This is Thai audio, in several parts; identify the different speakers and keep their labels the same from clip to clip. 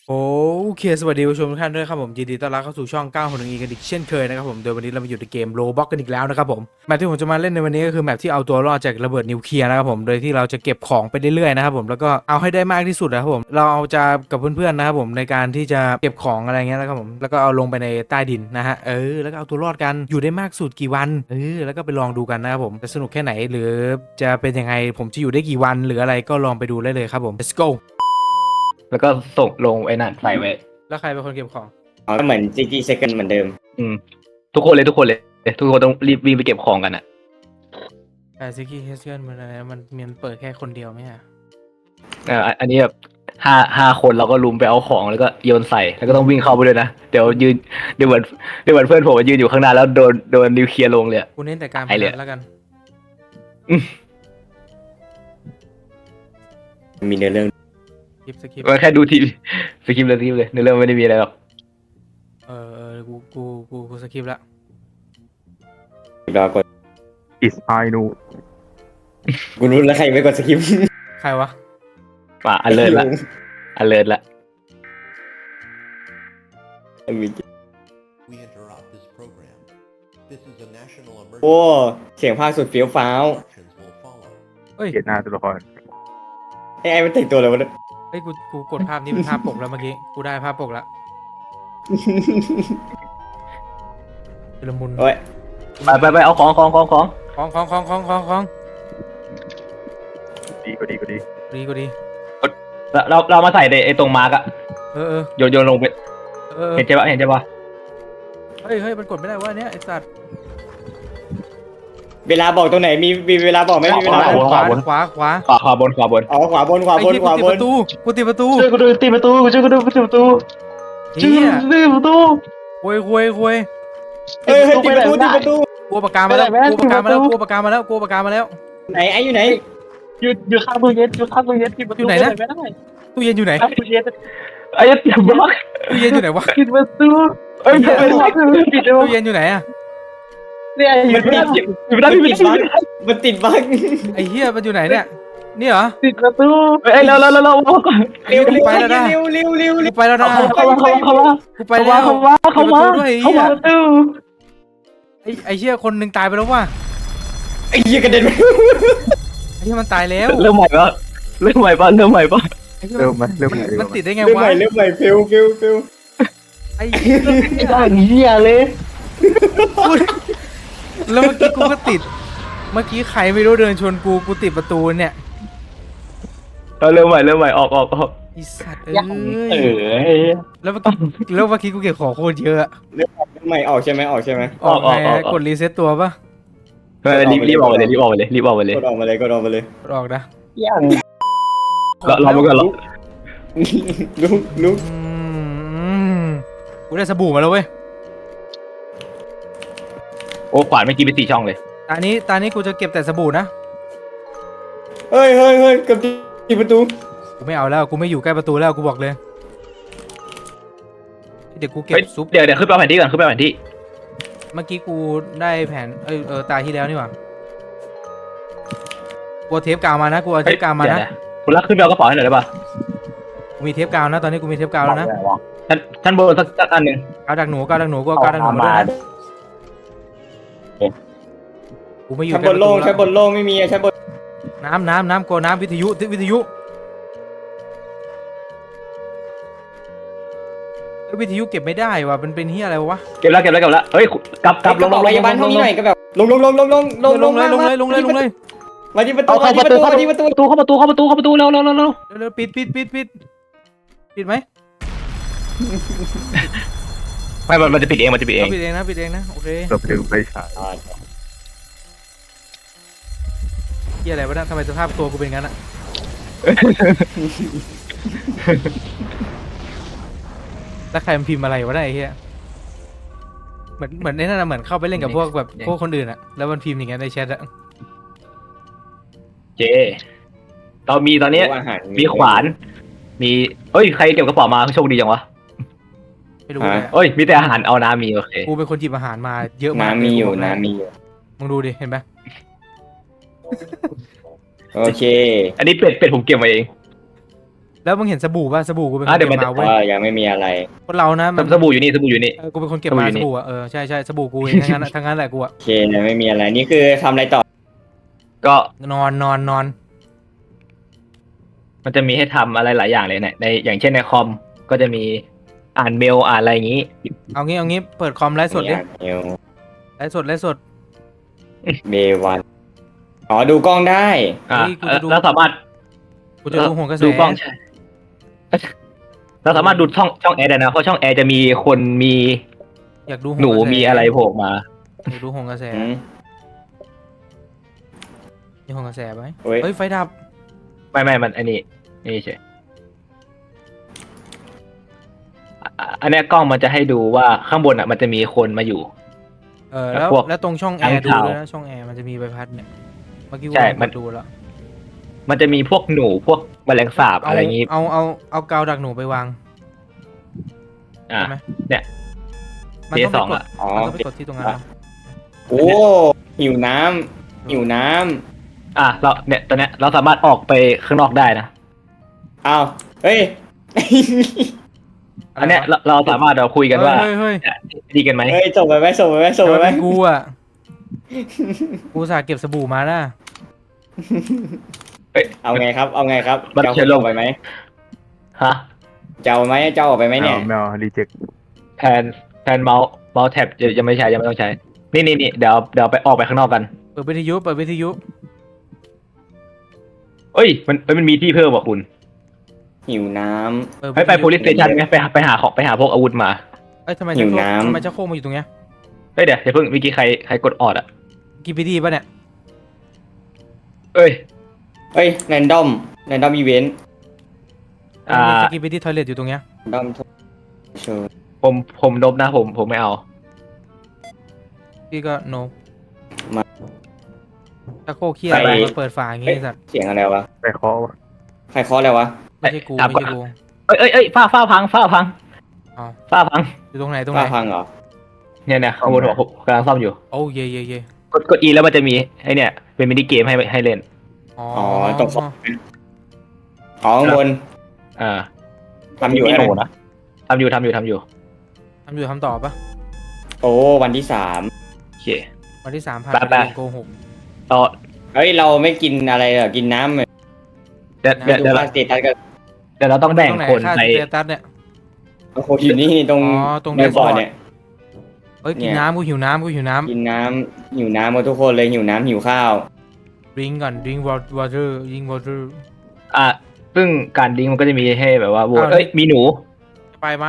Speaker 1: โอเคสวัสดีผู้ชมทุกท่านด้วยครับผมยินดีต้อนรับเข้าสู่ช่อง9 1 E กันอีกเช่นเคยนะครับผมโดยวันนี้เรามาอยู่ในเกมโรบ็อกกันอีกแล้วนะครับผมแมปที่ผมจะมาเล่นในวันนี้ก็คือแมปที่เอาตัวรอดจากระเบิดนิวเคลียร์นะครับผมโดยที่เราจะเก็บของไปเรื่อยๆนะครับผมแล้วก็เอาให้ได้มากที่สุดนะครับผมเราเอาจะกับเพื่อนๆนะครับผมในการที่จะเก็บของอะไรเงี้ยนะครับผมแล้วก็เอาลงไปในใต้ดินนะฮะแล้วก็เอาตัวรอดกันอยู่ได้มากสุดกี่วันแล้วก็ไปลองดูกันนะครับผมจะสนุกแค่ไหนหรือจะเป็นยังไงผมจะอยู่ได้กี่วันหรืออะไรก็ลองไปดูได้เลยครับผม let's go
Speaker 2: แล้วก็ส่งลงไอ้นั่นใส่ไว้
Speaker 1: แล้วใครเป็นคนเก็บของ
Speaker 3: ก็เหมือน GG Second เหมือนเดิม
Speaker 2: อืมทุกคนเลยทุกคนต้องรีบวิ่งไปเก็บของกันอ่ะ
Speaker 1: แต่ซิกี้เฮสเกิลมันอะไรมันเปิดแค่คนเดียวไหมฮะ
Speaker 2: อันนี้แบบห้าคนเราก็ลุมไปเอาของแล้วก็โยนใส่แล้วก็ต้องวิ่งเข้าไปด้วยนะเดี๋ยวยืนเดี๋ยวเหมือนเพื่อนผมมายืนอยู่ข้างหน้าแล้วโดนนิวเคลียร์ลงเลย
Speaker 1: กูเน้นแต่การพ
Speaker 2: ไอ้เหลื
Speaker 1: นั
Speaker 2: อ
Speaker 1: นแล้วกัน
Speaker 3: มีเนื้อเรื่อง
Speaker 1: สกิป
Speaker 2: ก็แค่ดูทีสกิปเลยในเรื่องไม่ได้มีอะไรหรอก
Speaker 1: กูสกิปแล้ว
Speaker 3: รอกด
Speaker 4: Is I know
Speaker 3: กูรู้แล้วใครไม่กดสกิป
Speaker 1: ใครวะ
Speaker 2: ป่ะอันเลิศละ
Speaker 5: We interrupt this program. This is a national
Speaker 3: โอ้
Speaker 5: emergency.
Speaker 3: เสียงภาคสุดเฟี้ยวฟ้าว
Speaker 5: Instructions will follow.
Speaker 1: เอ้ย
Speaker 4: เกลียดหน้าตัวละคร
Speaker 3: ไอ้มันแต่งตัวอะไรวะเนี่ย
Speaker 1: เอ้ยกูกดภาพนี้เป็นภาพปกแล้วเมื่อกี้กูได้ภาพปกแล้วชุลมุน
Speaker 3: โอ้ย
Speaker 2: ไปเอาของ
Speaker 1: ของ
Speaker 4: ดีก็ดี
Speaker 1: ดี
Speaker 2: เรามาใส่ในไอ้ตรงมาร์กอะ
Speaker 1: เออ
Speaker 2: โยนลงไปเห็นใช่ปะ
Speaker 1: เฮ้ยมันกดไม่ได้วะเนี่ยไอ้สัตว์
Speaker 3: เวลาบอกตรงไหนมีเวลาบอกไหมมีเวลาบอก
Speaker 1: ขวา
Speaker 2: ขวาบน
Speaker 3: อ๋อขวาบน
Speaker 1: ไอ้ที่กูติดประตู
Speaker 2: ช่วยกูดูตีประตูช่วยกูดูตีประตู
Speaker 1: เฮีย
Speaker 2: ตีประตู
Speaker 1: คุย
Speaker 3: เฮ้ยตีประตู
Speaker 1: กูปากกามาแล้วกูปากกามาแล้ว
Speaker 3: ไหนไอ้อยู่ไหน
Speaker 2: อยู่ข้างตู้เย็นปิดประตูไม่ได้
Speaker 1: ตู้เย็นอยู่ไหน
Speaker 2: ตู้เย็นไอ้ยัดบล็อก
Speaker 1: ตู้เย็นอยู่ไหนวะ
Speaker 2: ปิดประตูปิดปิด
Speaker 1: ตู้เย็นอยู่ไหนอะ
Speaker 2: เนี่ยอยู่ไม่ได้
Speaker 3: มันติดบั๊ก
Speaker 1: ไอ้เฮียมันอยู่ไหนเนี่ยนี่เหรอ
Speaker 2: ปิดประตูเอ้ยเรา
Speaker 3: เร็ว
Speaker 1: กูไปแล้วนะ กูไปแล้วนะ
Speaker 2: เข้ามา
Speaker 1: กูไปแล้ว
Speaker 2: เข้ามา
Speaker 1: ด้วย
Speaker 2: ประตู
Speaker 1: ไอ้เหี้ยคนหนึ่งตายไปแล้วว่ะ
Speaker 3: ไอ้เหี้ยกระเด็น
Speaker 1: ไอ้เหี้ยมันตายแล้ว
Speaker 2: เริ่มใหม่ปะ
Speaker 1: ไอ้เหี้ย
Speaker 4: เริ่มไหม
Speaker 1: มันติดได้ไง
Speaker 3: เริ่ม
Speaker 1: วะ
Speaker 3: ใหม่ฟิล
Speaker 1: ไอ้เหี้ย
Speaker 2: ไม่ได้เหี้ยเลย
Speaker 1: แล้วเมื่อกี้กูก็ติด เมื่อกี้ใครไม่รู้เดินชนกูติดประตูเนี่ย
Speaker 2: เริ่มใหม่ออก
Speaker 1: ไอ้สัตว์ แล้วเมื่อกี้กูเก็บของโคตรเยอะ
Speaker 3: เริ่มใหม่ออกใช่ไหม
Speaker 1: ออกไงกดรีเซ็ตตัวปะ
Speaker 2: รีบออกไปเลย
Speaker 3: กดออกมาเลย
Speaker 1: กดออกนะ
Speaker 2: เรามาก่อนหรอ
Speaker 3: ลุก
Speaker 1: กูได้สบู่มาแล้วเว้ย
Speaker 2: โอ้ขวานเมื่อกี้ไป4 ช่องเลย
Speaker 1: ตานี้กูจะเก็บแต่สบู่นะ
Speaker 3: เฮ้ยกับที่ประตู
Speaker 1: กูไม่เอาแล้วกูไม่อยู่ใกล้ประตูแล้วกูบอกเลย เดี๋ยวกูเก็บซุป
Speaker 2: เดี๋ยวขึ้นไปแผนที่ก่อนขึ้นไปแผนที่
Speaker 1: เมื่อกี้กูได้แผนตาที่แล้วนี่หว่ากูเอาเทปกาวมานะกูเอาเทปกาวมานะ
Speaker 2: คุณรักขึ้นไปเอากระเป๋าให้หน่อยได้ป่ะ
Speaker 1: กูมีเทปกาวนะตอนนี้กูมีเทปกาวแล้วนะ
Speaker 2: ท่านบนสักอันหนึ่ง
Speaker 1: กาวดักหนูกูเอากาวดักหนูมาด้วยนะกูไม่อยู่
Speaker 3: ชั้นบนโล่งไม่มีชั้นบน
Speaker 1: น้ำกลัวน้ำวิทยุวิทยุเก็บไม่ได้ว่ะมันเป็นเฮียอะไรวะ
Speaker 2: เก็บแล้วเฮ้ยกลับลง
Speaker 3: พยาบาลห้องนี้หน่อยก็แบบลงเลยมาที่ประตู
Speaker 2: เข้าประตูเร็ว
Speaker 1: ปิดไหม
Speaker 2: ไม่มันจะปิดเอง
Speaker 1: ปิดเองนะโอเค
Speaker 4: เราไปดูไฟฉาย
Speaker 1: เฮียอะไรวะเนี่ยทำไมสภาพตัวกูเป็นงั้นอะแล้วใครมันพิมพ์อะไรวะเนี่ยไอ้เฮียเหมือนในนั้นเหมือนเข้าไปเล่นกับพวกแบบพวกคนอื่นอะแล้วมันพิมพ์อย่างเงี้ยในแชทอะ
Speaker 2: เจเรามีตอนนี้มีขวานมีเอ้ยใครเก็บกระเป๋ามาโชคดีจังวะ
Speaker 1: ไม่รู้เลย
Speaker 2: เอ้ยมีแต่อาหารเอาน้ำมีโอเค
Speaker 1: กูเป็นคนหยิบอาหารมาเยอะมาก
Speaker 3: น้ำมีอยู่
Speaker 1: มึงดูดิเห็นไหม
Speaker 3: โอเค
Speaker 2: อันนี้เป็ดผมเก็บมาเอง
Speaker 1: แล้วมึงเห็นสบู่ป่ะสบู่กูเป็นคน
Speaker 2: เดี๋
Speaker 1: เก็
Speaker 2: ยวมัน
Speaker 1: บมาเว้ย
Speaker 3: ยังไม่มีอะไร
Speaker 1: คนเรานะมัน
Speaker 2: สบู่อยู่นี่สบู่อยู่นี่
Speaker 1: กูเป็นคนเก็บ
Speaker 2: สบู่
Speaker 1: มา
Speaker 2: อยู่
Speaker 1: ส
Speaker 2: นี่
Speaker 1: บู่อ่ะใช่สบู่กูเองทั้งนั้นทั้งนั้นแหละกูอ่ะ
Speaker 3: โอเคไม่มีอะไรนี่คือทำอะไรต่อ
Speaker 2: ก็
Speaker 1: นอน
Speaker 2: มันจะมีให้ทำอะไรหลายอย่างเลยเนี่ยในอย่างเช่นในคอมก็จะมีอ่านเมลอ่านอะไรอย่างนี้
Speaker 1: เอางี้เปิดคอมไลฟ์สดดิ
Speaker 3: เอล
Speaker 1: ไลฟ์สด
Speaker 3: เบวันอ๋อดูกล้องได้
Speaker 2: อ่า
Speaker 1: เฮ้ยกูจะดู
Speaker 2: แล้วสามารถ
Speaker 1: กูจะดูโหนกระแส
Speaker 2: ดูกล้องใช่เราสามารถดูช่องแอร์ได้นะเพราะช่องแอร์จะมีคนมี
Speaker 1: อยากดู
Speaker 2: หนู
Speaker 1: โกระแส
Speaker 2: มีอะไรโผล่มา
Speaker 1: อยากดูโหนกระแส
Speaker 3: อืม
Speaker 1: มีโหนกระแสไหม
Speaker 3: เฮ้ย
Speaker 1: เฮ้ยไฟดับ
Speaker 2: ไม่มันอันนี้เฉยอันเนี้ยกล้องมันจะให้ดูว่าข้างบนอ่ะมันจะมีคนมาอยู่
Speaker 1: แล้ว
Speaker 2: พวก
Speaker 1: แล้วตรงช่องแอร์
Speaker 2: ทาง
Speaker 1: ดู
Speaker 2: ข่าว
Speaker 1: ด้วยนะช่องแอร์มันจะมีใบพัดเนี่ยเมื่อกี้กู
Speaker 2: ใช่
Speaker 1: ลอง
Speaker 2: มัน
Speaker 1: กดดูแล้ว
Speaker 2: มันจะมีพวกหนูพวกแมลงสาบอะไรอย่างนี้
Speaker 1: เอากาวดักหนูไปวาง
Speaker 2: อ่า
Speaker 1: ใช่ไหม
Speaker 2: เนี่ย
Speaker 1: มันต้อง
Speaker 2: เจสอง
Speaker 1: ไปกด
Speaker 2: อะ
Speaker 3: อ๋อ
Speaker 1: มันต้องไปกดที่ตรงนั้นนะ
Speaker 3: โอ้หิวน้ำหิวน้
Speaker 2: เราเนี่ยตอนเนี้ยเราสามารถออกไปข้างนอกได้นะ
Speaker 3: ำอ้าวเฮ้ย
Speaker 2: อันเนี้ยเราสามารถเราคุยกันว่า
Speaker 1: เฮ้ย
Speaker 2: ดีกันไหม
Speaker 3: เฮ้ยส่งไปไหมส่งไปไหมส่งไปไหม
Speaker 1: เป็นกูอ่ะกูสาเก็บสบู่มานะ
Speaker 2: เอ้ย
Speaker 3: เอาไงครับเอาไงครับ
Speaker 2: มัน
Speaker 3: เจ้า
Speaker 2: เชื่อโล
Speaker 3: ส่
Speaker 2: ก
Speaker 3: งไปไหม
Speaker 2: ฮะ
Speaker 3: เจ้าไหมเจ้าออกไปไหมเนี่ย
Speaker 4: ไม่เอารีเจ็ค
Speaker 2: แทนเมาส์แท็บยังไม่ใช้ยังไม่ต้องใช้ นี่เดี๋ยวไปออกไปข้างนอกกัน
Speaker 1: เปิดวิทยุ
Speaker 2: เอ้ยมันมีที่เพิ่มว่ะคุณ
Speaker 3: หิวน้
Speaker 2: ไป police station ไหมไปหาของไปหาพวกอาวุธมา
Speaker 1: เอ้ยทำไม
Speaker 3: หิ
Speaker 1: จะ
Speaker 3: ว
Speaker 1: โคก
Speaker 3: น้ำ
Speaker 1: ทำไมจะโคกมาอยู่ตรงเนี้ย
Speaker 2: เฮ้ยเดี๋ยวเพิ่งเมื่อกี้ใครกดออดอ่ะ
Speaker 1: กีพีดีป่ะเนี่ย
Speaker 2: เอ้ย
Speaker 3: ำเฮ้ยแรนดอมอีเวนต์
Speaker 2: อ่า
Speaker 1: กีพีดีทอยเลทอยู่ตรงเนี้ย
Speaker 3: แรนดอมโชว์
Speaker 2: ผมนบนะผมไม่เอา
Speaker 1: พี่ก็โน
Speaker 3: มา
Speaker 1: ถ้าโคกเคียอะไรมาเปิดฝาอย่างงี้สัตว์
Speaker 3: เสียงอะไรวะ
Speaker 4: ไปเคาะวะ
Speaker 3: ใครเคาะอะไรวะ
Speaker 1: ไม่ใช่กู
Speaker 2: ถาม
Speaker 1: ไม่
Speaker 2: ก่อน
Speaker 1: ใช่กู
Speaker 2: เอ้ยฝ้าพัง
Speaker 1: อ๋อ
Speaker 2: ฝ้าพัง
Speaker 1: อยู่ตรงไหน
Speaker 3: ฟ้าพังเหรอ
Speaker 2: เนี่ยข้างบนหัวผมกำลังซ่อมอยู่
Speaker 1: โอ้เย่
Speaker 2: กด E แล้วมันจะมีไอเนี่ยเป็นมินิเกมให้เล่น
Speaker 1: อ๋อ
Speaker 3: ตรงอ๋อข้างบน
Speaker 2: อ่า
Speaker 3: ทำอยู่
Speaker 2: มี
Speaker 3: อะไร
Speaker 2: หนูนะทำอยู่
Speaker 1: ทำต่อปะ
Speaker 3: โอ้วันที่
Speaker 2: โอเค
Speaker 1: วันที่ 3ผ่าน
Speaker 2: ไป
Speaker 1: ไปโกหก
Speaker 2: ต่อ
Speaker 3: 3เฮ้ยเราไม่กินอะไรเหรอกินน้ำเลย
Speaker 2: เดี๋ยว
Speaker 3: ดูว่าสเตตัสก็
Speaker 2: เดี๋ยวเราต้องแบ่งคน
Speaker 1: ค่า
Speaker 2: ไป
Speaker 1: สเตตัสเนี่ย
Speaker 3: โอ้โหอยู่นี่ตรง
Speaker 1: อ๋อตรง
Speaker 3: ในบอร์ด
Speaker 1: dashboard
Speaker 3: เนี่ย
Speaker 1: เอ้ย
Speaker 3: เนี่
Speaker 1: กิน
Speaker 3: ย
Speaker 1: น้ำกูหิวน้ำ
Speaker 3: กินน้ำหิวน้ำหมดทุกคนเลยหิวน้ำหิวข้าว
Speaker 1: drink ก่อน drink water
Speaker 2: ซึ่งการดิ้งมันก็จะมีให้แบบว่าโหวต
Speaker 1: อ้าว
Speaker 2: เอ้ยมีหนู
Speaker 1: ไปไหม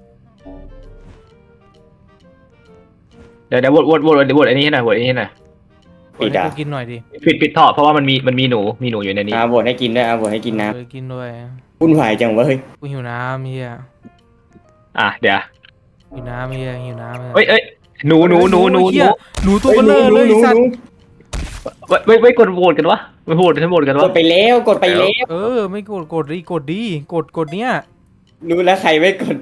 Speaker 2: เดี๋ยวโหวตอันนี้ให้หน่อยโหวตอันนี้ให้หน่อย
Speaker 1: กดให้กูกินหน่อยดิ
Speaker 2: ปิดท่อเพราะว่ามันมีหนูอยู่ในนี้
Speaker 3: บดให้กินด้วยบดให้กินน้
Speaker 1: กินด้วย
Speaker 3: ำวุ่นวายจังเว้ย
Speaker 1: กูหิวน้ำเฮีย
Speaker 2: เดี๋ยว
Speaker 1: หิวน้ำเฮียหิวน้ำ
Speaker 2: เอ้ยหนู
Speaker 1: เหี้ยหนูตัวเบลอเลยไอ้สัตว์
Speaker 2: ไม่กดโหวตกันวะไม่โหวตกัน
Speaker 3: ก
Speaker 2: วะ
Speaker 3: ดไปแล้วกดไปแล้ว
Speaker 1: เออไม่กดดิกดเนี้ย
Speaker 3: รู้แล้วใครไม่กด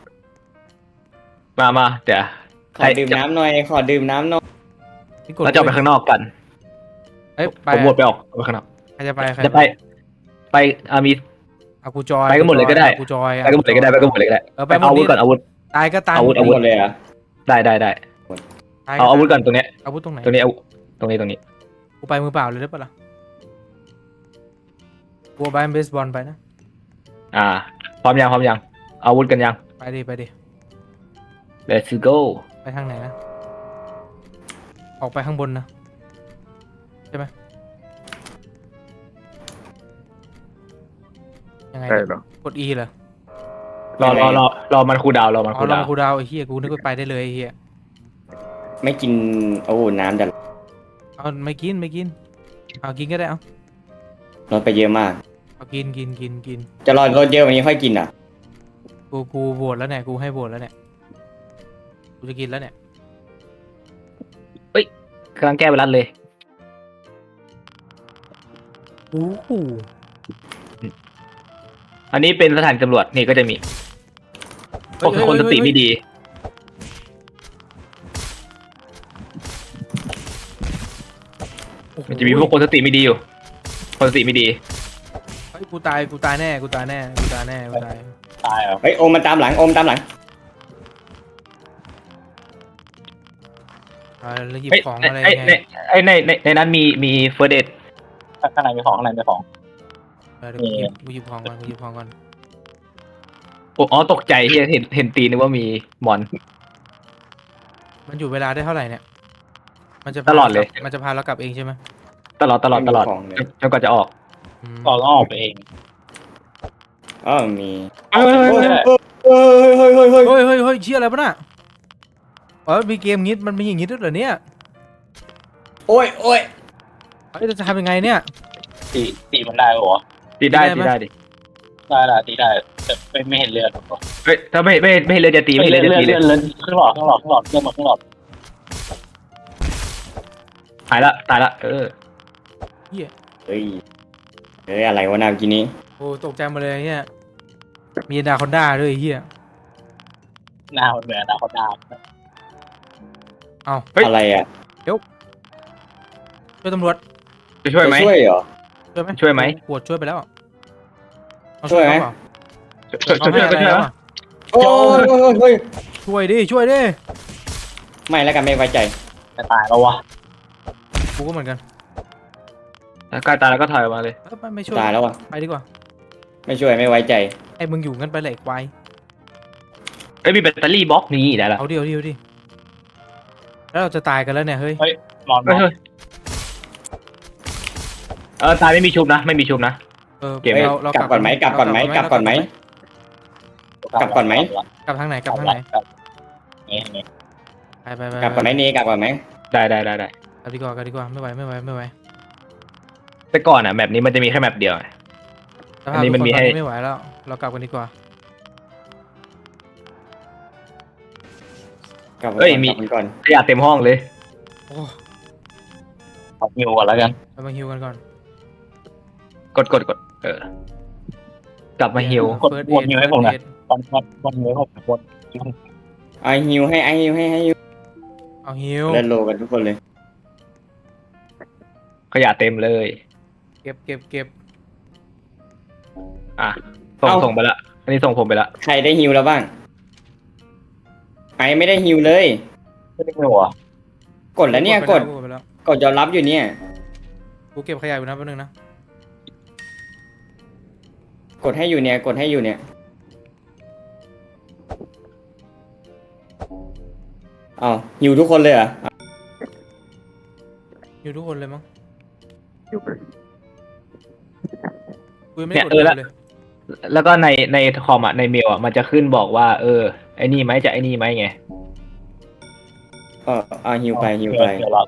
Speaker 2: มาเดี๋ยว
Speaker 3: ขอดื่มน้ำหน่อยขอดื่มน้ำหน่อย
Speaker 1: ไม่กด
Speaker 2: เราจะออกไปข้างนอกกัน
Speaker 1: เอ้ยไป
Speaker 2: ผมโหวตไปออกไปข้างนอก
Speaker 1: ใครจะไป
Speaker 2: จะไปมี
Speaker 1: เอากูจอย
Speaker 2: ไปกันหมดเลยก็ได้
Speaker 1: กูจอย
Speaker 2: ไปกันหมดเลยก็ได้
Speaker 1: เออไปหมด
Speaker 2: เอาอาวุ
Speaker 1: นี่
Speaker 2: ธก่อนอาวุธ
Speaker 1: ตายก็ตาย
Speaker 2: อาวุธ
Speaker 3: หมดเลยเหรอ
Speaker 2: ได้
Speaker 1: ตย
Speaker 2: เอาอาวุธก่อนตรงเนี้ย
Speaker 1: อาวุธตรงไหน
Speaker 2: ตรงนี้เอาตรงนี้
Speaker 1: กูไปมือเปล่าเลยได้ปะล่ะกูเอาใบเบสบอลไปนะ
Speaker 2: พร้อมยังอาวุธกันยัง
Speaker 1: ไปดิ
Speaker 2: Let's go
Speaker 1: ไปทางไหนนะออกไปข้างบนนะใช่ไหมยังไง
Speaker 4: ได้
Speaker 1: เนี่ย
Speaker 4: เหรอ
Speaker 1: กด E เหรอ
Speaker 2: รอมันคูลดาวน์รอมัน
Speaker 1: อ๋
Speaker 2: คู
Speaker 1: อ
Speaker 2: ล
Speaker 1: ลอ
Speaker 2: ดาง วน์
Speaker 1: กูดาวไอ้เหี้ยกูนึกว่าไปได้เลยไอ้เหี้ย
Speaker 3: ไม่กินโอ้น้ำจะ
Speaker 1: เอาไม่กินเอากินก็ได้เอา
Speaker 3: ลดไปเยอะมาก
Speaker 1: เอากิน
Speaker 3: จะรอลดเยอะวันนี้ค่อยกินอ่ะ
Speaker 1: กูโหวตแล้วเนี่ยกูให้โหวตแล้วเนี่ยกูจะกินแล้วเนี่ย
Speaker 2: กำลังแก้ไวรัสเลย
Speaker 1: โอ้โห
Speaker 2: อันนี้เป็นสถานตำรวจนี่ก็จะมีพวกคนสติไม่ดี มันจะมีพวกคนสติไม่ดีอยู่ คนสติไม่ดี
Speaker 1: กูตายกูตายแน่กูตายแน่กูตายแน่กูตาย
Speaker 3: ตายเหรอเฮ้ยโอมมันตามหลังโอมตามหลัง
Speaker 1: แล้วหยิบ
Speaker 2: เฮ้ย
Speaker 1: ของ
Speaker 2: ไอ้
Speaker 1: อะไร
Speaker 2: ไอ้
Speaker 1: ไง
Speaker 2: ไอ้ในนั้นมีเฟิร์สเดทข้างในมีของข้างในมีของ
Speaker 1: เดี๋ยวกูหยิบของก่อนกูหยิบของก่อน
Speaker 2: อ๋อตกใจที่เห็นตีนึกว่ามีมอน
Speaker 1: มันอยู่เวลาได้เท่าไหร่เนี่ยมันจะ
Speaker 2: ตลอดเลย
Speaker 1: มันจะพาเรากลับเองใช่ไหม
Speaker 2: ตลอด
Speaker 3: ไม่มีของเลย
Speaker 2: จนกว่าจะออก
Speaker 1: อืม
Speaker 6: เราต้องออกไปเอง
Speaker 3: อ๋อมี
Speaker 2: เฮ้ย
Speaker 3: เฮ้ยเฮ้ยเฮ้ยเฮ้ย
Speaker 1: เฮ้ยเฮ้ยเฮ้ยเชี่ยอะไรปะน่ะมีเกมงี้มันมีอย่างงี้ด้วยเหรอเนี่ย
Speaker 3: โอ้ยโอ้ย
Speaker 1: เฮ้ยเราจะทำยังไงเนี่ย
Speaker 6: ตีมันได้เหรอ
Speaker 2: ตีได้
Speaker 1: ตี
Speaker 2: ตี
Speaker 1: ได้
Speaker 2: ได้
Speaker 1: ไหม
Speaker 2: ดิ
Speaker 6: ได้ละตีได้แต่ไม่เห็นเลือดหรอก
Speaker 2: เฮ้ยถ้าไม่เลือดจะตีไม่
Speaker 6: เลื
Speaker 2: เลื
Speaker 6: อ
Speaker 2: อ
Speaker 6: ด
Speaker 2: ด
Speaker 6: เลื
Speaker 2: จะ
Speaker 6: อด
Speaker 2: ตี
Speaker 6: เลื
Speaker 2: เล
Speaker 6: อย ดครึ่งหลอดเลือดมาครึ่งหลอด
Speaker 2: ตายละ
Speaker 3: เฮ้ยเฮ้ยอะไรวะนาเมื่อกี้นี้
Speaker 1: โอ้ตกใจหมาเลยเนี่ยมีดาคอนด้าด้วยไอ้เฮีย
Speaker 6: หน้ามันเหมือนหน้าคนหน้า
Speaker 3: อะไรอ่ะ
Speaker 1: ช่วยตำรวจ
Speaker 2: จะช่วยไหม
Speaker 3: จะช่วยเหรอ
Speaker 1: ช่วยไหม
Speaker 2: ช่วยไหม
Speaker 1: ปวดช่วยไปแล้วเอา
Speaker 3: ช่วยไหม
Speaker 1: เขาเปล่า
Speaker 2: ช่วยก็ช่วย
Speaker 1: เขาให้อะไรแล้ว
Speaker 2: วะ
Speaker 1: อะ
Speaker 3: โอ้ยโอ้ยโอ้ย
Speaker 1: ช่วยดิช่วยดิ
Speaker 3: ไม่แล้วกันไม่ไว้ใจ
Speaker 6: จะตายแล้ววะ
Speaker 1: กูก็เหมือนกัน
Speaker 2: ใกล้ตายแล้วก็ถอยออกมาเลย
Speaker 1: ไม่ช่วย
Speaker 3: ตายแล้วอ่ะ
Speaker 1: ไปดีกว่า
Speaker 3: ไม่ช่วยไม่ไว้ใจ
Speaker 1: ไอ้มึงอยู่กันไปเลยควาย
Speaker 2: เอ้ยมีแบตเตอรี่บล็อกนี้ได้ละ
Speaker 1: เอาดิแล้วเราจะตายกันแล้วเนี่ยเฮ้ย
Speaker 6: นอน
Speaker 2: เฮ้ยตายไม่มีชุบนะไม่มีชุบนะ เกม
Speaker 3: เฮ้ย
Speaker 1: เรา
Speaker 3: กลับก่อนไหมกลับก่อนไหมกลับก่อนไหม กลับก่อนไหม
Speaker 1: กลับทางไหนกลับทางไหน
Speaker 6: นี่
Speaker 1: ไป
Speaker 3: กลับก่อนไหมนี่กลับก่อนไหม
Speaker 2: ได้
Speaker 1: กลับดีกว่าไม่ไหว
Speaker 2: แต่ก่อนอ่ะแมปนี้มันจะมีแค่แมปเดียว
Speaker 1: ส
Speaker 2: อั
Speaker 1: ภาพ
Speaker 2: นนี้
Speaker 1: ทุก
Speaker 2: มัน
Speaker 1: คน
Speaker 2: มี
Speaker 1: ตอน
Speaker 2: ให้
Speaker 1: นี้ไม่ไหวแล้วเรากลับกันดีกว่า
Speaker 3: กลับก่อนกลับก่อน
Speaker 2: ขยะเต็มห้องเลย
Speaker 1: โอ้
Speaker 6: ขอฮิวก่อนแล้วกัน
Speaker 1: เรามาฮิวกันก่อน
Speaker 2: กดกลับมาฮิว
Speaker 6: กดวนฮิวให้ผมหน่อยวันฮิวให้ผมวน
Speaker 3: ไอฮิวให้ไอฮิวให้ฮิว
Speaker 1: เอาฮิว
Speaker 3: เล่นโลกันทุกคนเลย
Speaker 2: ขยะเต็มเลย
Speaker 1: เก็บ
Speaker 2: อ่ะส่งไปละอันนี้ส่งผมไปละ
Speaker 3: ใครได้ฮิวแล้วบ้างไอไม่ได้ฮิวเลย
Speaker 6: ไม่ได้หัว
Speaker 3: กดแล้วเนี่ยกด
Speaker 1: ไปแล้ว
Speaker 3: กดยอมรับอยู่เนี่ย
Speaker 1: กูเก็บขยะอยู่นะแป๊บนึงนะ
Speaker 3: กดให้อยู่เนี่ยกดให้อยู่เนี่ยเอาฮิวทุกคนเลยเหรอ
Speaker 1: อยู่ทุกคนเลยมั้ง
Speaker 4: อยู่ไป
Speaker 1: กูยังไม่ได้กดเลย
Speaker 2: แล้วก็ในคอมอ่ะในเมลอ่ะมันจะขึ้นบอกว่าไอ้นี่ไหมจะไอ้นี่ไหมไง
Speaker 3: ฮิวไปฮิวไป
Speaker 6: เดี๋ยวเรา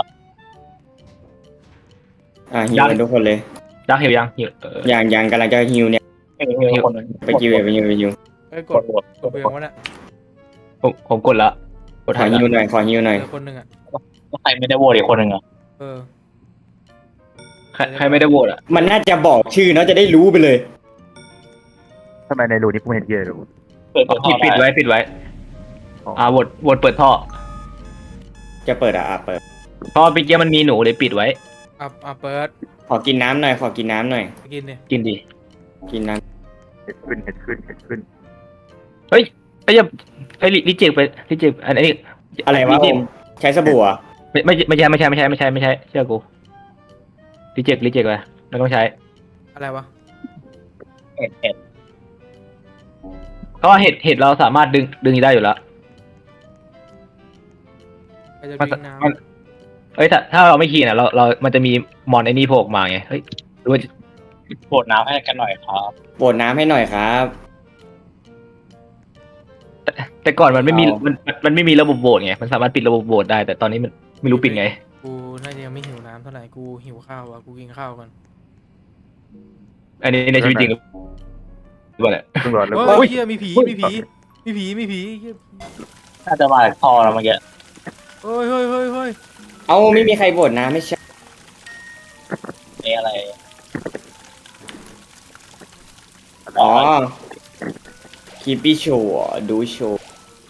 Speaker 3: ฮิวกันทุกคนเลย
Speaker 2: ดักหิวยังหิว
Speaker 3: อย่างกำลังจะฮิวเนี่ย
Speaker 6: ฮิวคนนึง
Speaker 3: ไปฮิวไปฮิวไปฮิว
Speaker 1: เอ้ยก
Speaker 6: ก
Speaker 1: ด
Speaker 6: ดบวก
Speaker 1: กดไปยังวะเนี่ย
Speaker 2: ผมกดแล้วกด
Speaker 3: ขอ
Speaker 2: ทัน
Speaker 3: ฮิวห
Speaker 2: แล้ว
Speaker 3: น่อยขอฮิวหน่อย
Speaker 1: เจอคนหนึ่งอ่ะ
Speaker 6: ใครไม่ได้โหวตอีกคนนึงอ่ะ
Speaker 1: เออ
Speaker 2: ใครไม่ได้โหวตอ่ะ
Speaker 3: มันน่าจะบอกชื่อเนาะจะได้รู้ไปเลย
Speaker 4: ทำไมในรูนี้กูไม่เห็นเหี้ยเลยรู
Speaker 6: เปิดท่อ
Speaker 2: ปิดไว้โหวตเปิดท่อ
Speaker 3: จะเปิดเปิด
Speaker 2: เพราะเมื่อกี้มันมีหนูเลยปิดไว้
Speaker 1: เปิด
Speaker 3: ขอกินน้ำหน่อยขอกินน้ำหน่อย
Speaker 1: ไปกินดิ
Speaker 2: กินดี
Speaker 3: กินน้
Speaker 4: เห็นขึ้น
Speaker 2: ไอ้ยังไอ้ลิเจกไปลิเจกอันนี้
Speaker 3: ำอะไรวะ
Speaker 2: ลิเจก
Speaker 3: ใช้สบู่อ่ะ
Speaker 2: ไม่ใช่เชื่อกูลิเจกไปไม่ต้องใช้
Speaker 1: อะไรวะ
Speaker 6: เห็ด
Speaker 2: เพราะว่าเห็ดเราสามารถดึงได้อยู่แล้ว
Speaker 1: ไปจะ
Speaker 2: มัน
Speaker 1: วิ่งน้
Speaker 2: มันถ้าเราไม่ขี่น่ะมันจะมีมอนไอ้นี่โผล่ออกมาไงเฮ้ยหรือว่า
Speaker 6: โหวตน้ำให้กันหน่อยครับ
Speaker 3: โปรดน้ำให้หน่อยครับ
Speaker 2: แต่ก่อนมันไม่มีมันไม่มีระบบโหวตไงมันสามารถปิดระบบโหวตได้ แต่ตอนนี้มันไม่รู้ปิดไง
Speaker 1: ำกูน่าจะยังไม่หิวน้ำเท่าไหร่กูหิวข้าวอ่ะกูกินข้าวก่อน
Speaker 2: อันนี้ในชีวิตจริงหรือเปล่าเนี่ย
Speaker 4: เพิ่งรอดแล้ว
Speaker 1: เฮ้ยเฮียมีผีเหี้ย
Speaker 6: น่าจะมาจากท่อแล้วเมื่อกี้
Speaker 1: เฮ้ย
Speaker 3: เอาไม่มีใครโปรดน้ำไม่ใช่
Speaker 6: นี่อะไร
Speaker 3: อ๋อคีปี้โชว์ดูโชว์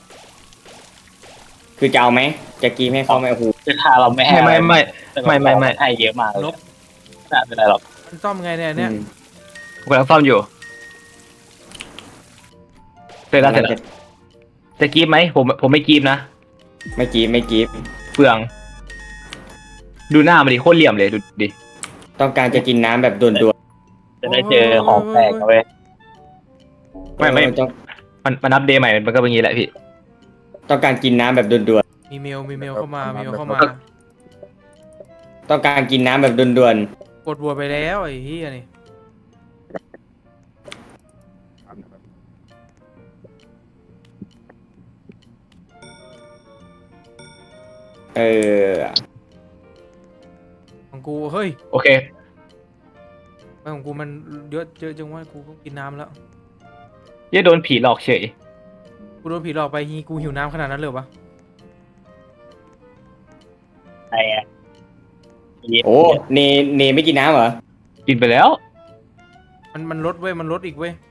Speaker 3: คือจะเอาไหมจะกีมให้เขาไหมโอ้โห
Speaker 6: คือทาเราไม่ให้
Speaker 2: ไม่
Speaker 6: ให้เยอะมากเลยน่าเป็นไรหรอก
Speaker 1: มันซ่อมไงเนี่ย
Speaker 2: ผมกำลังซ่อมอยู่เสร็จแล้วจะกรีบไหมผมไม่กรีบนะ
Speaker 3: ไม่กีบไม่กีบ
Speaker 2: เปลือง ดูหน้ามันดิโคตรเหลี่ยมเลยดูดิ
Speaker 3: ต้องการจะกินน้ำแบบด่วน
Speaker 6: จะได้เจอของแปลกนะเว้ย
Speaker 3: ๆ
Speaker 2: ไม่
Speaker 3: ต้อง
Speaker 2: มันอัปเดตใหม่มันก็เป็นอย่างนี้แหละพี่
Speaker 3: ต้องการกินน้ำแบบด่วน
Speaker 1: มีเมลเข้ามามีเมลเข้ามา
Speaker 3: ๆต้องการกินน้ำแบบด่วน
Speaker 1: กดบัวไปแล้วไอ้เหี้ยนี่
Speaker 3: ๆเออ
Speaker 1: ของกูเฮ้ย
Speaker 2: โอเค
Speaker 1: ไปของกูมันเยอะจังว่ากูก็กินน้ำแล้ว
Speaker 2: เหี้ยโดนผีหลอกเฉย
Speaker 1: กูโดนผีหลอกไปฮีกูหิวน้ำขนาดนั้นเลยเหรอวะ
Speaker 6: ไอ้อะ
Speaker 3: โอ้เนไม่กินน้ำเหรอ
Speaker 2: กินไปแล้ว
Speaker 1: มันลดเว้ยมันลดอีกเว้ย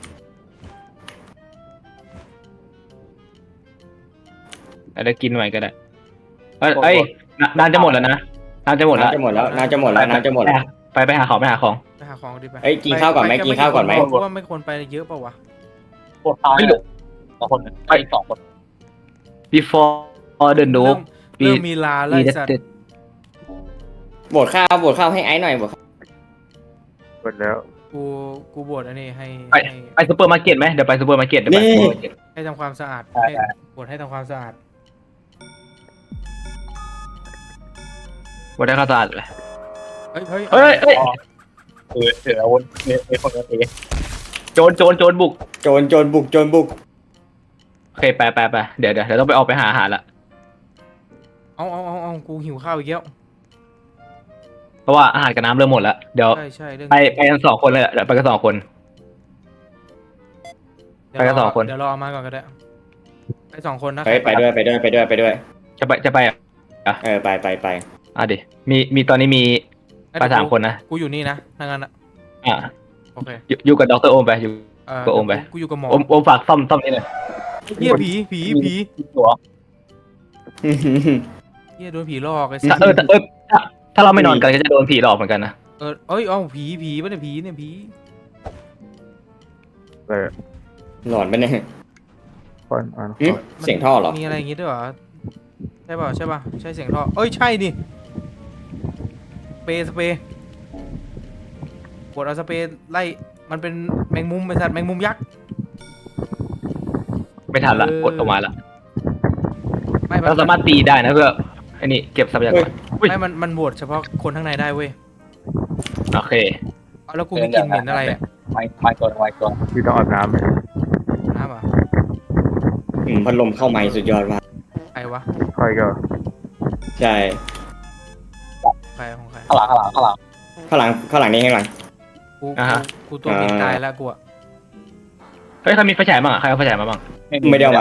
Speaker 2: อะไรกินใหม่ก็ได้เอ้ยน้ำจะหมดแล้วนะน้ำจะหมดแล้ว
Speaker 3: น้ำจะหมดแล้วน้ำจะหมดแล้วน้ำจะหมดแล้ว
Speaker 2: ไปหาของ
Speaker 1: ไปหาของดิไป
Speaker 3: เอ้ยกินข้าวก่อนไหมกินข้าวก่อนไหม
Speaker 1: กูว่าไม่ควรไปเยอะเปล่าวะ
Speaker 6: พวกเขาสองคนไปสองคน
Speaker 2: before the
Speaker 1: เริ่
Speaker 2: noob
Speaker 1: มเริ่มมีลาไล่สัตว์
Speaker 3: โบดข้าวให้ไอ้หน่อยโบดข้าว
Speaker 4: หมดแล้ว
Speaker 1: กูบวชอันนี้ให้
Speaker 2: ไปซูเปอร์มาร์เก็ตไหมเดี๋ยวไปซูเปอร์มาร์เก็ตเดี๋ยวไปซูเปอร์มาร์เก็ต
Speaker 1: ให้ทำความสะอาดให้บวชให้ทำความสะอาด
Speaker 2: วันได้ข้าวสะอาดเลย
Speaker 1: เฮ้ยเฮ้ย
Speaker 2: เฮ้ย
Speaker 6: ถืออาวุธมีคนตี
Speaker 2: โจรบุก
Speaker 3: โจรบุก
Speaker 2: โอเคไปเดี๋ยวต้องไปออกไปหาอาหารละ
Speaker 1: เอากูหิวข้าวอีกแล้ว
Speaker 2: เพราะว่าอาหารกับน้ำเริ่มหมดแล้วเดี๋ยว
Speaker 1: ใช่เรื่อง
Speaker 2: ไปกัน2 คนเลยเดี๋ยวไปกัน2 คน ไปกัน2 คน
Speaker 1: เดี๋ยวรอมาก่อนก็ได้ไป2 คนนะ
Speaker 3: ไปด้วย
Speaker 2: จะไป
Speaker 3: เออไป
Speaker 2: อ่ะดิมีตอนนี้มีไป3 คนนะ
Speaker 1: กูอยู่นี่นะถ้างั้นอ่ะ
Speaker 2: อ่ะ
Speaker 1: โอเค
Speaker 2: อยู่กับดรโอมไปอยู่ ก็โอมไป
Speaker 1: กูอยู่กับหมอ
Speaker 2: โอมฝากซ่อมนี่เลย
Speaker 1: เฮียผี
Speaker 6: ตัว
Speaker 1: เฮียโดนผีหลอกไอ้สั
Speaker 2: ถ้า
Speaker 1: ส
Speaker 2: ถ้าเราไม่นอนกันก็จะโดนผีหลอกเหมือนกันนะ
Speaker 1: เอาผีป่ะเนี่ยผีเนี่ยผี
Speaker 4: เออ
Speaker 3: หลอนไปะเนี่ย
Speaker 4: คนอ่าน
Speaker 3: เสียงท่อเหรอ
Speaker 1: มีอะไรอย่างงี้ด้วยเหรอใช่ป่ะใช่เสียงท่อใช่ดิสเปรย์กดเอาสเปรย์ไล่มันเป็นแมงมุมไอ้สัตว์แมงมุมยักษ์
Speaker 2: ไม่ทันละกดออกมาละ
Speaker 1: ไม่
Speaker 2: เราสามารถตีได้นะเพื่อไอ้นี่เก็บทรัพยากร
Speaker 1: ไม่มันโหวตเฉพาะคนข้างในได้เว้ย
Speaker 2: โอเค
Speaker 1: เอาแล้วกูไม่กินเหม็นอะไรอ่ะ
Speaker 6: ไม่ตัว
Speaker 4: พี่ต้องอาบน้ำไหม
Speaker 1: น้ำอ่ะ
Speaker 3: พัดลมเข้าไม้สุดยอดว่ะ
Speaker 1: ใครวะ
Speaker 4: ค่อยก็
Speaker 3: ใช่
Speaker 1: ใครของใคร
Speaker 6: ข้างหลัง
Speaker 3: ข้างหลังนี่ข้างหลัง
Speaker 1: กูตัวเหม็นตายแล้วกูอ่ะ
Speaker 2: เฮ้ยใครมีไฟฉายบ้างอ่ะใครเอาไฟฉายมาบ้าง
Speaker 3: ไม่ได้เอามา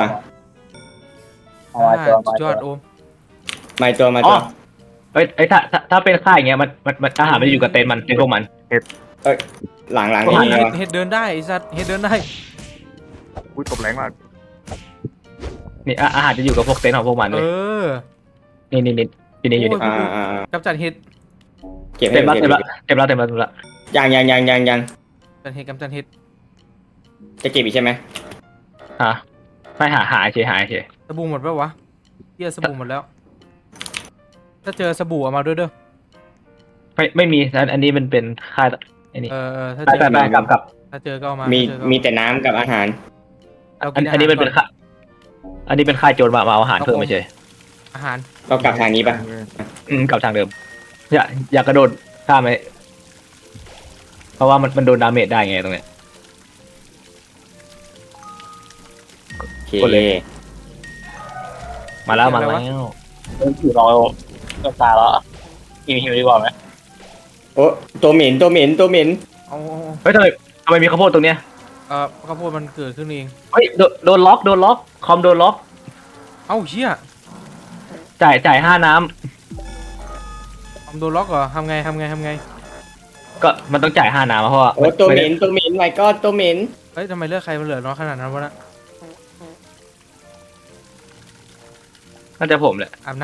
Speaker 1: สุดยอดโอม
Speaker 3: มาตัว
Speaker 2: เฮ้ยถ้าเป็นค่ายอย่างเงี้ยมันอาหารมันอยู่กับเต็นท์มันเป็นพวกมัน
Speaker 3: หลัง
Speaker 2: โอ้
Speaker 3: นี่
Speaker 2: ย
Speaker 3: วะ
Speaker 1: เฮ็ดเดินได้ไอ้สัตว์เฮ็ดเดินได้
Speaker 4: อุ้ยตบแรงมาก
Speaker 2: นี่อาหารจะอยู่กับพวกเต็นท์ของพวกมันเลยนี่อยู่นี่
Speaker 1: กับจัดเฮ็ด
Speaker 3: เก็บให้
Speaker 2: เต็มละ
Speaker 3: เก็บ
Speaker 2: ละ
Speaker 3: ยัง
Speaker 1: จัดเฮ็ดกับจัดเฮ็ด
Speaker 3: จะเก็บอีกใช่ไหม
Speaker 2: ฮะไม่หาเฉย
Speaker 1: สบู่หมดปะวะเหี้ยสบู่หมดแล้ว ถ้าเจอสบู่เอามาด้วยเด้อ
Speaker 2: ไม่มีอันนี้มันเป็นค่ายไอ้นี่
Speaker 1: ถ้า
Speaker 2: ไป
Speaker 1: เจอ
Speaker 2: กับ
Speaker 1: ถ้าเจอก็เอามา
Speaker 3: มี
Speaker 1: ถ้าเจอก็เอา
Speaker 3: มีแต่น้ำกับอาหาร
Speaker 1: เรากิ
Speaker 2: อันนี้เป็น
Speaker 1: ก่
Speaker 2: ค่ายอันนี้เป็นค่ายโจรมาเอาอาหารเพิ่มไม่ใช่
Speaker 1: อาหาร
Speaker 3: เรากลับทางนี้ปะ
Speaker 2: กลับทางเดิมอย่ากระโดดข้ามไหมเพราะว่ามันโดนดาเมจได้ไงตรงเนี้ย
Speaker 3: โอเค
Speaker 2: กดเลย มาแล้ว
Speaker 6: อยู่รอตัวตาแล้วหิวดีกว่าไหม
Speaker 3: โอ้ตัวเหม็น
Speaker 1: เอา
Speaker 2: เฮ้ยทำไมมีข้าวโพดตรงเนี้ย
Speaker 1: ข้าวโพดมันเกิดขึ้นเอง
Speaker 2: เฮ้ยโดนล็อกคอมโดนล็อก
Speaker 1: เอ้าเชี่ย
Speaker 2: จ่าย5 น้
Speaker 1: ทำโดนล็อกเหรอทำไง
Speaker 2: ำก็มันต้องจ่าย5 น้ำเพราะว่า
Speaker 3: โอ้ตัวเหม็นไว้ก็ตัวเหม็น
Speaker 1: เฮ้ยทำไมเลือกใครมันเหลือน้อยขนาดนั้นวะนะ
Speaker 2: น่าจะผมแหละ
Speaker 1: อาบ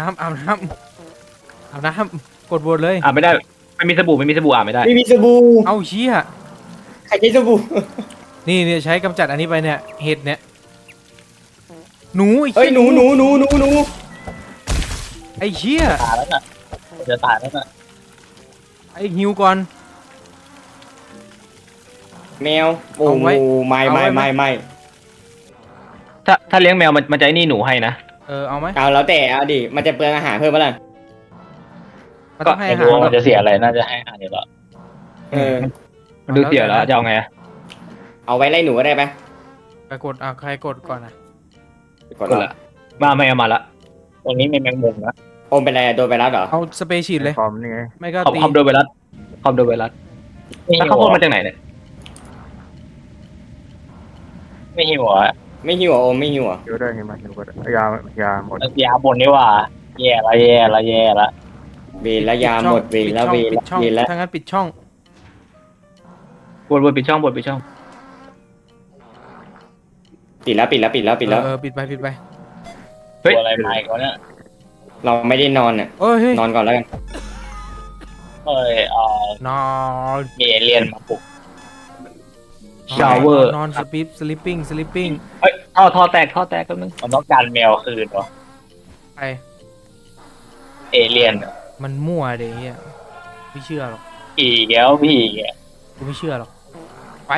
Speaker 1: น้ำกดบวชเลย
Speaker 2: ไม่ได้ไม่มีสบู่อาบไม่ได้
Speaker 3: ไม่มีสบู่
Speaker 1: เอ้าเชี่ย
Speaker 3: รใช้สบู่
Speaker 1: นี่เนี่ยใช้กำจัดอันนี้ไปเนี่ยเห็ดเนี่ยหนูไอ้
Speaker 3: เฮ้ย
Speaker 1: เหี้ย
Speaker 3: หนูหนูหนูหนูหนู
Speaker 1: ไอ้เหี้ย
Speaker 6: ตายแล้วน่ะจะตายแล้วน่ะ
Speaker 1: ไอ้หิวก่อน
Speaker 3: แมวโอ้
Speaker 1: เอา
Speaker 3: โห
Speaker 1: ไว้
Speaker 3: ไม่
Speaker 1: เอาไว้
Speaker 3: ไม่
Speaker 1: ไหม
Speaker 3: ไม่ไม่
Speaker 2: ถ้าเลี้ยงแมวมันจะไอ้นี่หนูให้นะ
Speaker 1: เอาไหม
Speaker 3: เอาแล้วแต่เอาดิมันจะเปลืองอาหารเพิ่มปะล่ะ
Speaker 1: มันต้องให้
Speaker 6: ไม่
Speaker 1: อาหาร
Speaker 6: รู้ว่ามันจะเสียอะไรน่าจะให้อาหารเดี๋ยวหรอ
Speaker 3: เออ
Speaker 2: มันดูเสียแล้วจะเอาไงอะ
Speaker 3: เอาไว้ไล่หนูก็ได้ปะ
Speaker 1: ไปกดใครกดก่อนนะ
Speaker 3: กด
Speaker 2: ก็ละมาไม่เอามาละ
Speaker 6: ตรงนี้มีแมงมุมนะ
Speaker 3: โอมเป็นอะไรโดนไวรัสเหรอ
Speaker 1: เอาสเปรย์ฉีดเลย
Speaker 4: คอมนี่ไง
Speaker 1: ไม่ก็
Speaker 2: คอมโดนไวรัสคอมโดนไวรัส
Speaker 6: ไม่
Speaker 2: แล้ว
Speaker 6: หิ
Speaker 2: ข้าว
Speaker 6: ว
Speaker 2: โพดมาจากไหนเนี่ย
Speaker 6: ไม่หิวอ่ะ
Speaker 3: ไม่หิวเหรอโอมไม่หิวเหรอ
Speaker 4: เดี๋ยวได้ไงมาเดี๋ยวก็ได้ยาหมด
Speaker 6: ยาบนนี่ว่าแย่ละแย่ละแย่ละ
Speaker 3: เวรแล้วยาหมดเวรแล้วเวร
Speaker 1: ปิ
Speaker 3: แล้
Speaker 1: ด
Speaker 3: ว
Speaker 1: ช่อง
Speaker 3: เวรแล้ว
Speaker 1: ถ้างั้นปิดช่อง
Speaker 2: บนปิดช่องบนปิดช่อง
Speaker 3: ปิดแล้วปิดแล้วปิดแล้วปิดแล้ว
Speaker 1: ปิดไป
Speaker 2: เฮ้ย
Speaker 6: ตัวอะไรมาอีกวะเนี่ย
Speaker 3: เราไม่ได้นอนอ่ะ
Speaker 1: เฮ้ย
Speaker 3: นอนก่อนแล้วกัน
Speaker 6: เอ้ย
Speaker 1: นอน
Speaker 6: มีเอเลี่ยนมาปลุก
Speaker 2: ชาวเวอร์
Speaker 1: นอนสลิปปิ้ง
Speaker 2: เฮ้ยท่อแตกแป๊บนึง
Speaker 6: มันต้องการแมวคืนวะ
Speaker 1: ไป
Speaker 6: เอเลี่ยนอะ
Speaker 1: มันมั่วเดี๋ยวเฮียไม่เชื่อหรอก
Speaker 6: ผีแก้วผีแก
Speaker 1: กูไม่เชื่อหรอกไป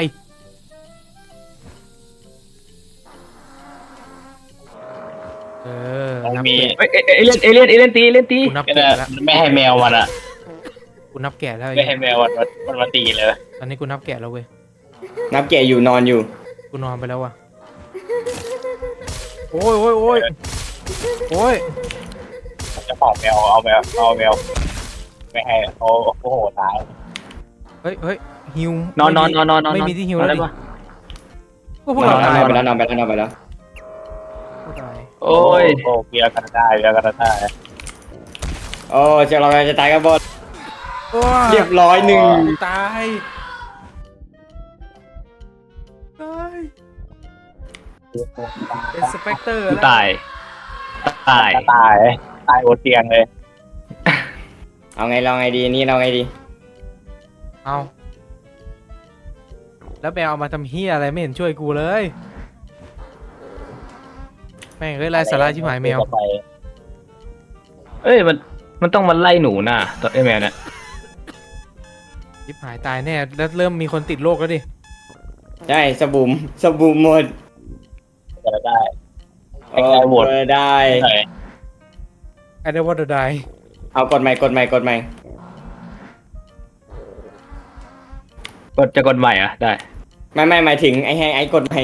Speaker 1: นับ
Speaker 6: มี
Speaker 1: แกะ
Speaker 2: เฮ้ยเอเลี่ยนตี
Speaker 1: กูนับ
Speaker 6: ก็
Speaker 1: แกะ
Speaker 6: ได้
Speaker 1: แล้ว
Speaker 6: ไม่ให้แมวมันอ่ะ
Speaker 1: กูนับแกะแล้ว
Speaker 6: ไม่ให้แมวมันมาตีเลย
Speaker 1: ตอนนี้กูนับแกะแล้วเว้ย
Speaker 3: นับแกะอยู่นอนอยู่
Speaker 1: กูนอนไปแล้วว่ะโอ้ย
Speaker 6: เจะของแมวเอาแมวไม่ให้โอ้โหตาย
Speaker 1: เฮ้ยฮิวน
Speaker 2: อน
Speaker 1: ไม่มีที่ฮิวแล้ว
Speaker 2: ได้
Speaker 1: ดิ
Speaker 2: ปะ
Speaker 1: พวกเรา
Speaker 3: นอน
Speaker 1: ตาย
Speaker 3: ไปแล้วนอนไปแล้วนอนไปแล้ว
Speaker 1: พวกตาย
Speaker 2: โอ้ย
Speaker 6: โอ้เบียร์กันได้เบียร์กันได้
Speaker 3: โอ้เจ้าเราจะตายกันหมด
Speaker 1: โอ้
Speaker 3: เรียบร้อยหนึ่ง
Speaker 1: ตายเป็นสเปกเตอร์แล้ว
Speaker 2: ตาย
Speaker 6: ตายบนเตียงเลย
Speaker 3: เอาไงเราไงดีนี่เราไงดี
Speaker 1: เอาแล้วแมวเอามาทำเฮียอะไรไม่เห็นช่วยกูเลยแม่งเอ้ยไร้สาระชิบหายแมว
Speaker 2: เอ้ยมันต้องมาไล่หนูน่ะตัวไอ้แมวเนี่ย
Speaker 1: ชิบหายตายแน่แล้วเริ่มมีคนติดโรคแล้วดิ
Speaker 3: ใช่สบู่หมด
Speaker 6: จะได้
Speaker 3: โอ้ได้
Speaker 1: ไอ้เดวอตได
Speaker 3: เอากดใหม่กดใหม่กดใหม่
Speaker 2: กดใหม่อ่ะได้
Speaker 3: ไม่หมายถึงไอ้ให้ไอ้กดใหม่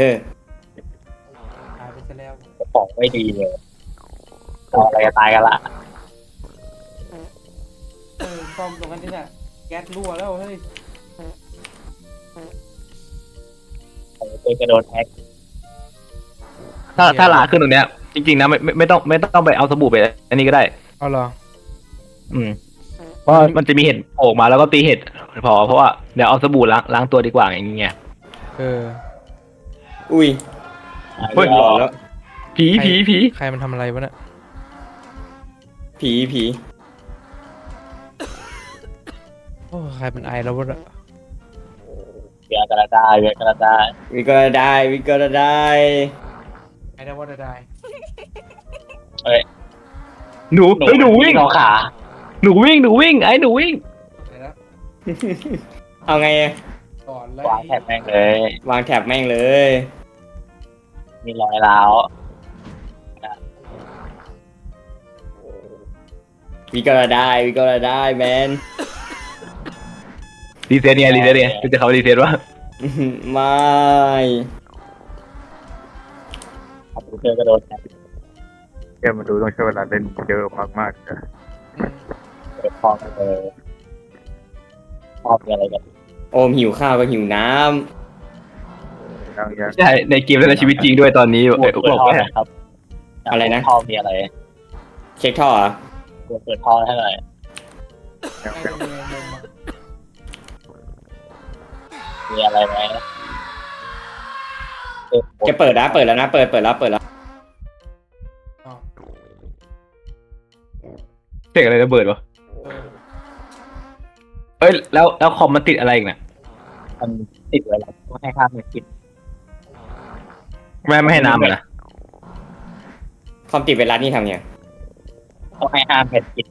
Speaker 1: ตายไปซะแล้ว
Speaker 6: ของไม่ดีเลยอะไรจะตายกันละ
Speaker 1: ซ่อมตรงนั้นนี่แหละแก๊สรั่วแล้วเฮ้ย
Speaker 6: ตัวจะโดนแฮก
Speaker 2: ถ้าหลาขึ้นตรงเนี้ยจริงๆนะไม่ต้องไปเอาสบู่ไปอันนี้ก็ได้
Speaker 1: เอาเหรอ
Speaker 2: เพราะมันจะมีเห็ดโผล่มาแล้วก็ตีเห็ดเพราะว่าเดี๋ยวเอาสบู่ล้างตัวดีกว่าอย่างเงี้ย
Speaker 3: อุ้ย
Speaker 2: เฮ้ย
Speaker 3: หลอนแล้ว
Speaker 2: ผี
Speaker 1: ใครมันทำอะไรวะเนี่ย
Speaker 3: ผี
Speaker 1: โอ้ใครมันไอแล้ววะเนี่ย
Speaker 6: เบียร์กันได้เบียร์กันได้
Speaker 3: วิก็ได้
Speaker 1: ไอเดวอตได
Speaker 2: หนูวิ่ง
Speaker 6: เอาขา
Speaker 2: หนูวิ่งไอ้หนูวิ่ง
Speaker 3: เอาไง
Speaker 1: ก่อนเลยว
Speaker 6: างแถบแม่งเลย
Speaker 3: วางแถบแม่งเลย
Speaker 6: มีรอยร้าว
Speaker 3: วิก็ได้แมน
Speaker 2: รีเซ็ตเนี่ยจะเขารีเซ็ตวะ
Speaker 3: ไม่
Speaker 6: คอมพิวเตอร์ก็โดนแฮก
Speaker 4: เกมมาดูต้องใช้เวลาเล่นเยอะมากๆนะ
Speaker 6: เปิดคอมเลยชอบมีอะไรกัน
Speaker 3: โอมหิวข้าวก็หิวน้
Speaker 4: ยัง
Speaker 2: ใช่ในเกมและในชีวิตจริงด้วยตอนนี้
Speaker 6: เปิดท่อนะครับ
Speaker 3: อะไรนะ
Speaker 6: ท่อมีอะไร
Speaker 3: ำเช็คท่อเหรอ
Speaker 6: เปิดท่อให้หน่อย มีอะไรไหม
Speaker 3: จะเปิดแล้วนะเปิดแล้ว
Speaker 2: เสียงอะไรระเบิดวะเอ้ยแล้วคอมมันติดอะไรอีกน่ะ
Speaker 6: มันติดไว้แล้วต้องให้ค่าเม็ดกิน
Speaker 2: ไม่ให้น้ำเลยนะ
Speaker 3: ความติดเวลานี่ทำไง
Speaker 6: ต้องให้ห้าเม็ดกิน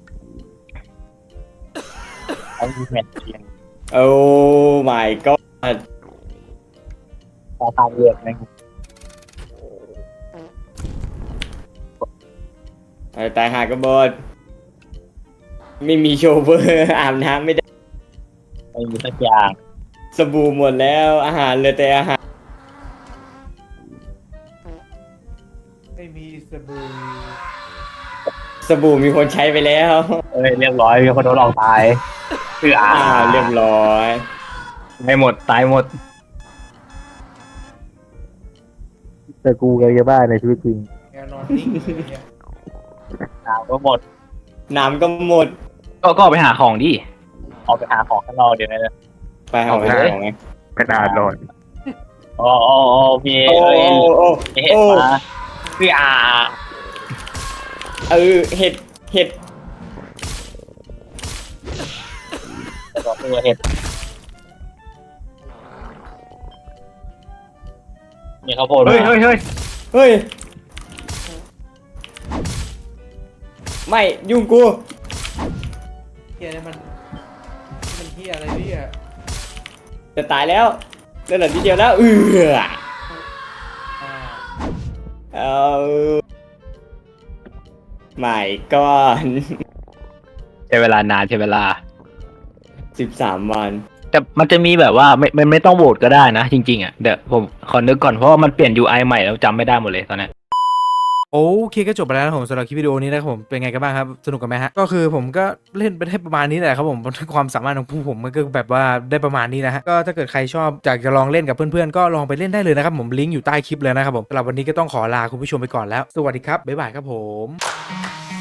Speaker 6: เอาเม็ดกิน
Speaker 3: โอ้ my god
Speaker 6: ตาตาเลือดนะ
Speaker 3: ตายหากระโบดไม่มีโชเวอร์ อาบน้ำไม่ได้
Speaker 6: ไม่มีสักอย่าง
Speaker 3: สบู่หมดแล้วอาหารเหลือแต่อาหาร
Speaker 1: ไม่มีสบู่
Speaker 3: สบู่มีคนใช้ไปแล้ว
Speaker 6: เรียบร้อยมีคนโดนหลอกตายคือ
Speaker 3: เรียบร้อย
Speaker 2: ไม่หมดตายหมด
Speaker 4: แต่กูกับยาบ้าในชีวิตจริง
Speaker 1: แกนอนนิ่งเลยเนี่ย
Speaker 6: น้ำก็หมด
Speaker 3: น้ำก็หมด
Speaker 2: ก็ไปหาของดิ
Speaker 6: เอาไปหาของข้างนอกเดี๋ยวนะ
Speaker 3: ไปเอาไปของไง
Speaker 4: เป็นอาหลอน
Speaker 6: โอ้มี
Speaker 3: โอ้โอ้
Speaker 6: เห็ดมาคือ
Speaker 3: เห็ด
Speaker 6: ตัวเห็ดมีข้าวโพด
Speaker 2: เฮ้ย
Speaker 3: เฮ้ย ไม่ยุ่งกู
Speaker 1: เฮียนี่มันเฮียอะไรเนี่ย
Speaker 3: จะตายแล้วเหลือนิดเดียวแล้วเอาไม่ก่อน
Speaker 2: ใช้เวลานานใช้เวลา
Speaker 3: 13 วัน
Speaker 2: แต่มันจะมีแบบว่าไม่ต้องโหวตก็ได้นะจริงๆอ่ะเดี๋ยวผมขอนึกก่อนเพราะว่ามันเปลี่ยน UI ใหม่แล้วจำไม่ได้หมดเลยตอนนี้
Speaker 1: โอเคก็จบไปแล้วนะผมสำหรับคลิปวิดีโอนี้นะครับผมเป็นไงกันบ้างครับสนุกกันไหมฮะก็คือผมก็เล่นไปได้ประมาณนี้แหละครับผมความสามารถของผู้ผมมันก็แบบว่าได้ประมาณนี้นะฮะก็ถ้าเกิดใครชอบอยากจะลองเล่นกับเพื่อนๆก็ลองไปเล่นได้เลยนะครับผมลิงก์อยู่ใต้คลิปเลยนะครับผมสำหรับวันนี้ก็ต้องขอลาคุณผู้ชมไปก่อนแล้วสวัสดีครับบ๊ายบายครับผม